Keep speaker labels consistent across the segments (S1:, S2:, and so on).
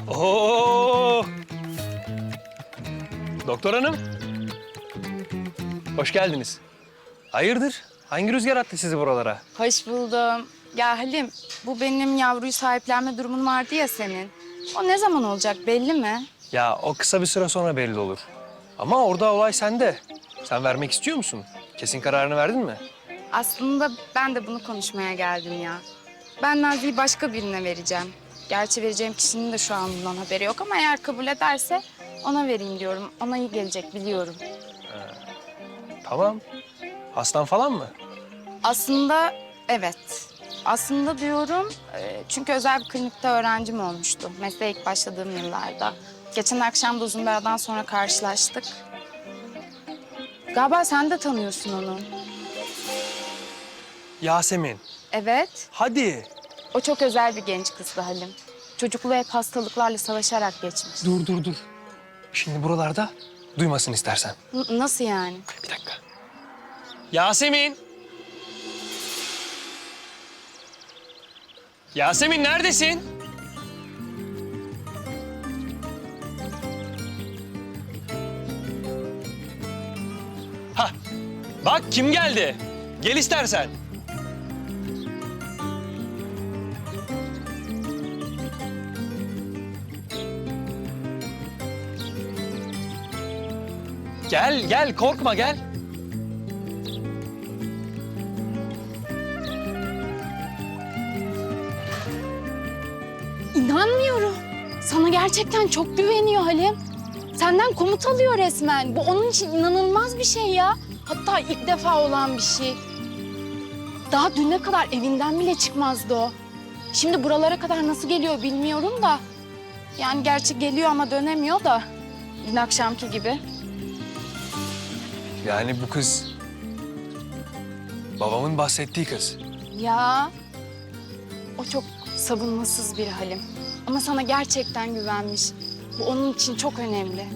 S1: Oo! Doktor hanım. Hoş geldiniz. Hayırdır? Hangi rüzgar attı sizi buralara?
S2: Hoş buldum. Ya Halim, bu benim yavruyu sahiplenme durumun vardı ya senin. O ne zaman olacak belli mi?
S1: Ya o kısa bir süre sonra belli olur. Ama orada olay sende. Sen vermek istiyor musun? Kesin kararını verdin mi?
S2: Aslında ben de bunu konuşmaya geldim ya. Ben Nazlı'yı başka birine vereceğim. Gerçi vereceğim kişinin de şu an bundan haberi yok ama eğer kabul ederse ona vereyim diyorum. Ona iyi gelecek biliyorum.
S1: Tamam. Hastan falan mı?
S2: Aslında evet. Aslında diyorum çünkü özel bir klinikte öğrencim olmuştu. Mesleğe ilk başladığım yıllarda. Geçen akşam da uzun bir aradan sonra karşılaştık. Galiba sen de tanıyorsun onu.
S1: Yasemin.
S2: Evet,
S1: Hadi.
S2: o çok özel bir genç kızdı Halim. Çocukluğu hep hastalıklarla savaşarak geçmiş.
S1: Dur. Şimdi buralarda duymasın istersen.
S2: Nasıl yani?
S1: Bir dakika. Yasemin. Yasemin neredesin? Hah. Bak kim geldi? Gel istersen. Gel korkma gel.
S2: İnanmıyorum. Sana gerçekten çok güveniyor Halim. Senden komut alıyor resmen. Bu onun için inanılmaz bir şey ya. Hatta ilk defa olan bir şey. Daha düne kadar evinden bile çıkmazdı o. Şimdi buralara kadar nasıl geliyor bilmiyorum da. Yani gerçi geliyor ama dönemiyor da. Dün akşamki gibi.
S1: Yani bu kız babamın bahsettiği kız.
S2: Ya o çok savunmasız bir Halim. Ama sana gerçekten güvenmiş. Bu onun için çok önemli.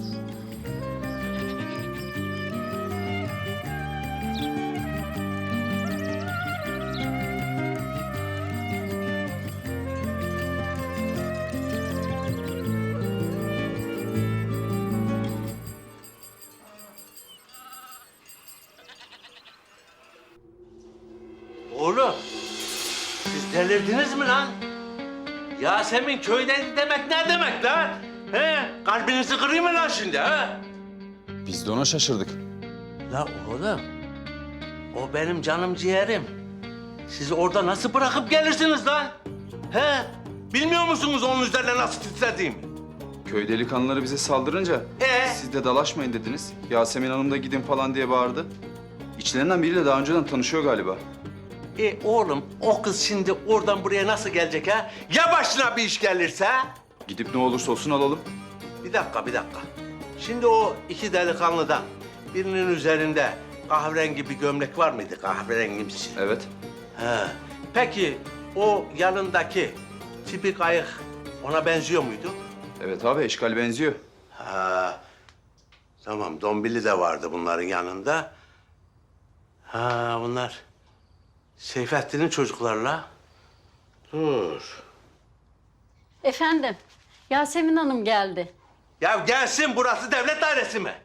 S3: Oğlum, siz delirdiniz mi lan? Yasemin köyden demek ne demek lan? He? Kalbinizi kırayım mı lan şimdi ha?
S4: Biz de ona şaşırdık.
S3: La oğlum, o benim canım ciğerim. Sizi orada nasıl bırakıp gelirsiniz lan? He? Bilmiyor musunuz onun üzerine nasıl titrediğimi?
S4: Köy delikanlıları bize saldırınca siz de dalaşmayın dediniz. Yasemin Hanım da gidin falan diye bağırdı. İçlerinden biriyle daha önceden tanışıyor galiba.
S3: Oğlum, o kız şimdi oradan buraya nasıl gelecek ha? Ya başına bir iş gelirse?
S4: Gidip ne olursa olsun alalım.
S3: Bir dakika. Şimdi o iki delikanlıdan birinin üzerinde kahverengi bir gömlek var mıydı? Kahverengimsi.
S4: Evet.
S3: He. Peki o yanındaki tipik ayık ona benziyor muydu?
S4: Evet abi eşkal benziyor.
S3: Ha. Tamam, Dombili de vardı bunların yanında. Ha, bunlar Seyfettin'in çocuklarla. Dur.
S5: Efendim, Yasemin Hanım geldi.
S3: Ya gelsin, burası devlet dairesi mi?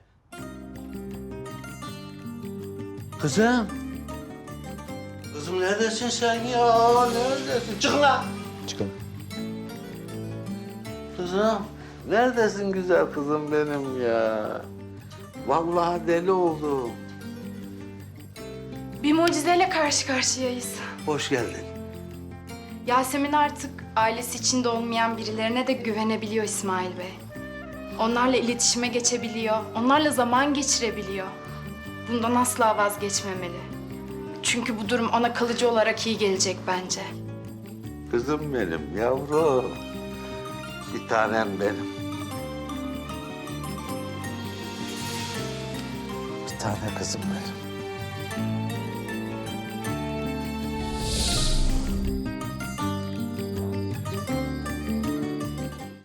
S3: Kızım. Kızım neredesin sen ya? Neredesin? Çıkın lan.
S4: Çıkalım.
S3: Kızım, neredesin güzel kızım benim ya? Vallahi deli oldum.
S2: Bir mucizeyle karşı karşıyayız.
S3: Hoş geldin.
S2: Yasemin artık ailesi içinde olmayan birilerine de güvenebiliyor İsmail Bey. Onlarla iletişime geçebiliyor, onlarla zaman geçirebiliyor. Bundan asla vazgeçmemeli. Çünkü bu durum ona kalıcı olarak iyi gelecek bence.
S3: Kızım benim, yavrum. Bir tanem benim. Bir tane kızım benim.